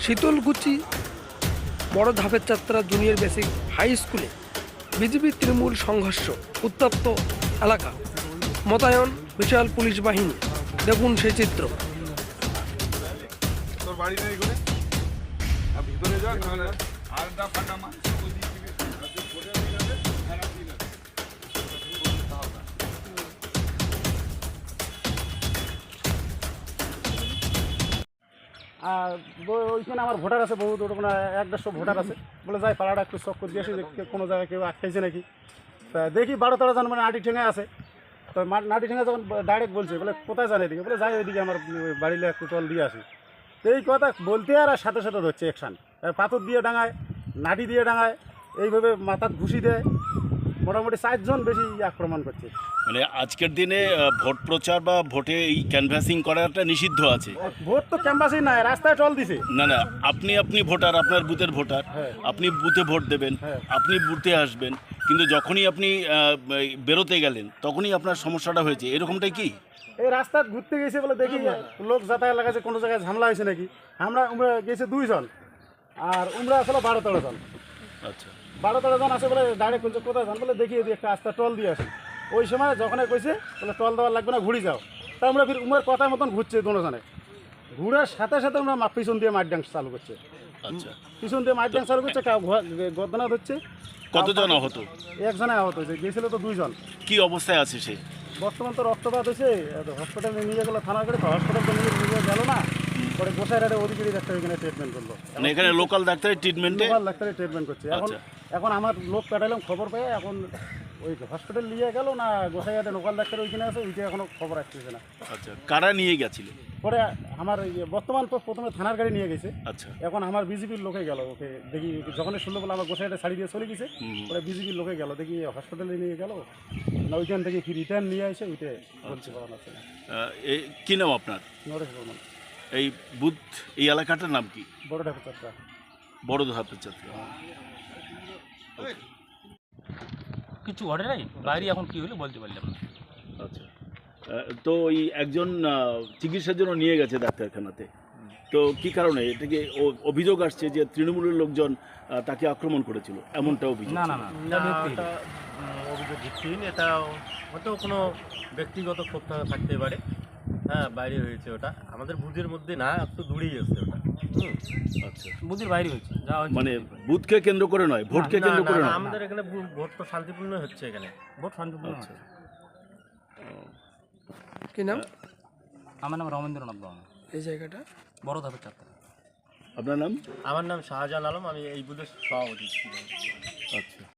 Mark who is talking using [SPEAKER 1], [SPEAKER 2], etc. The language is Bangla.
[SPEAKER 1] শীতলকুচি বড় ধাপের যাত্রা জুনিয়র বেসিক হাই স্কুলে বিজেপি তৃণমূল সংঘর্ষ, উত্তপ্ত এলাকা, মোতায়েন বিশাল পুলিশ বাহিনী। দেখুন সেই চিত্র।
[SPEAKER 2] আর ওইখানে আমার ভোটার আছে বহুত, মানে 1-150 ভোটার আছে। বলে যাই পাড়াটা একটু চক করে দিয়েছি যে কোনো জায়গায় কেউ আটকাইছে নাকি। তা দেখি 12-13 জন মানে নাটি ঠেঙে আছে। তো নাটি ঠেঙে যখন ডাইরেক্ট বলছে, বলে কোথায় জানে এদিকে, বলে যাই ওইদিকে আমার বাড়িলে একটু চল দিয়ে আসি। তো এই কথা বলতে আর সাথে সাথে ধরছে অ্যাকশান। পাথর দিয়ে ডাঙায়, নাটি দিয়ে ডাঙায়, এইভাবে মাথার ঘুষি দেয়। মোটামুটি 4 জন বেশি আক্রমণ করছে।
[SPEAKER 3] মানে আজকের দিনে ভোট প্রচার বা ভোটে এই ক্যানভাসিং করাটা নিষিদ্ধ আছে।
[SPEAKER 2] ভোট তো ক্যাম্পাসেই নাই, রাস্তায় টল দিছে।
[SPEAKER 3] না, আপনি ভোটার, আপনার বুথের ভোটার, আপনি বুথে ভোট দেবেন, আপনি বুথে আসবেন, কিন্তু যখনই আপনি বেরোতে গেলেন তখনই আপনার সমস্যাটা হয়েছে, এরকমটাই কি?
[SPEAKER 2] এই রাস্তা ঘুরতে গেছে বলে দেখি লোক যাতায়াত লাগাচ্ছে, কোনো জায়গায় ঝামেলা হয়েছে নাকি। আমরা গেছে 2 জন, আর উমরা আসলে 12-13 জন।
[SPEAKER 3] আচ্ছা,
[SPEAKER 2] 12-13 জন আছে বলে ডাইরেক্ট বলছে কোথায় যান, বলে দেখি এদিকে একটা রাস্তা টল দিয়ে আসি। ওই সময় যখন কইছে বলে টল দেওয়ার লাগবে না, ঘুরি যাও। তা আমরা ফির উমার কথার মতন ঘুরছে দুজনে। ঘুরার সাথে সাথে আমরা পিছন দিয়ে মাঠ ডান্স চালু করছে।
[SPEAKER 3] আচ্ছা,
[SPEAKER 2] পিছন দিয়ে মাঠ ডান্স চালু করছে, গর্দনা ধরছে।
[SPEAKER 3] কতজন আহত?
[SPEAKER 2] 1 জনে আহত হয়েছে, গেছিল তো 2 জন।
[SPEAKER 3] কি অবস্থায় আছে সে?
[SPEAKER 2] বর্তমান তো রক্তপাত হয়েছে, হসপিটালে নিয়ে গেলো থানা করে। হসপিটাল তো নিয়ে গেল না, পরে গোসাইরাটে অধিকারী ডাক্তার এখানে ট্রিটমেন্ট করলো।
[SPEAKER 3] মানে এখানে লোকাল ডাক্তারের ট্রিটমেন্টে?
[SPEAKER 2] লোকাল ডাক্তারের ট্রিটমেন্ট করছে। এখন আমার লোক পাঠালাম, খবর পেয়ে এখন ওই হসপিটাল নিয়ে গেল না, গোসাইরাটে লোকাল ডাক্তার ওইখানে আছে, ওইটা এখনো খবর আসতেছে না।
[SPEAKER 3] আচ্ছা, কারা নিয়ে গেছিল?
[SPEAKER 2] পরে আমার বর্তমান তো প্রথমে থানার গাড়ি নিয়ে গেছে।
[SPEAKER 3] আচ্ছা,
[SPEAKER 2] এখন আমার বিজেপির লোকে গেল, ওকে দেখি যখন শুনলো বলে আমার গোসাইরাটে ছাড়ি দিয়ে চলে গেছে। পরে বিজেপির লোকে গেল, দেখি হসপিটালে নিয়ে গেল না, ওইখান থেকে কি রিটার্ন নিয়ে আসে ওইটা বলতে পারা যাচ্ছে না।
[SPEAKER 3] কি নাম আপনার?
[SPEAKER 2] নরেশ বর্মন।
[SPEAKER 3] এই বুথ, এই এলাকাটার নাম কি?
[SPEAKER 2] বড় ঢাকা চারটা।
[SPEAKER 3] বড় ধাপের যাত্রা।
[SPEAKER 4] কিছু ঘটে নাই, বাইরে এখন কি হলো বলতে পারলাম না।
[SPEAKER 3] আচ্ছা, তো ওই একজন চিকিৎসার জন্য নিয়ে গেছে ডাক্তারখানাতে, তো কি কারণে? এটাকে অভিযোগ আসছে যে তৃণমূলের লোকজন তাকে আক্রমণ করেছিল, এমনটা অভিযোগ।
[SPEAKER 4] না,
[SPEAKER 5] এটা অভিযোগ ভিত্তিহীন। এটা হয়তো কোনো ব্যক্তিগত ক্ষোভ থাকতে পারে। হ্যাঁ, বাইরে হয়েছে ওটা, আমাদের বুথের মধ্যে না, একটু দূরেই আছে ওটা।
[SPEAKER 3] আচ্ছা,
[SPEAKER 4] বুথের বাইরে হয়েছে, যা হয়েছে
[SPEAKER 3] মানে বুথকে কেন্দ্র করে নয়, ভোটকে কেন্দ্র করে নয়।
[SPEAKER 5] আমাদের এখানে ভোট তো শান্তিপূর্ণ হচ্ছে এখানে।
[SPEAKER 4] ভোট শান্তিপূর্ণ
[SPEAKER 3] আচ্ছা,
[SPEAKER 4] হচ্ছে।
[SPEAKER 1] কি নাম?
[SPEAKER 4] আমার নাম রমেন্দ্রনাথ বর্মন।
[SPEAKER 1] এই জায়গাটা
[SPEAKER 4] বড় ধাপের যাত্রা।
[SPEAKER 3] আপনার নাম?
[SPEAKER 5] আমার নাম শাহজাহান আলম, আমি এই বুথের সভাপতি।
[SPEAKER 3] আচ্ছা।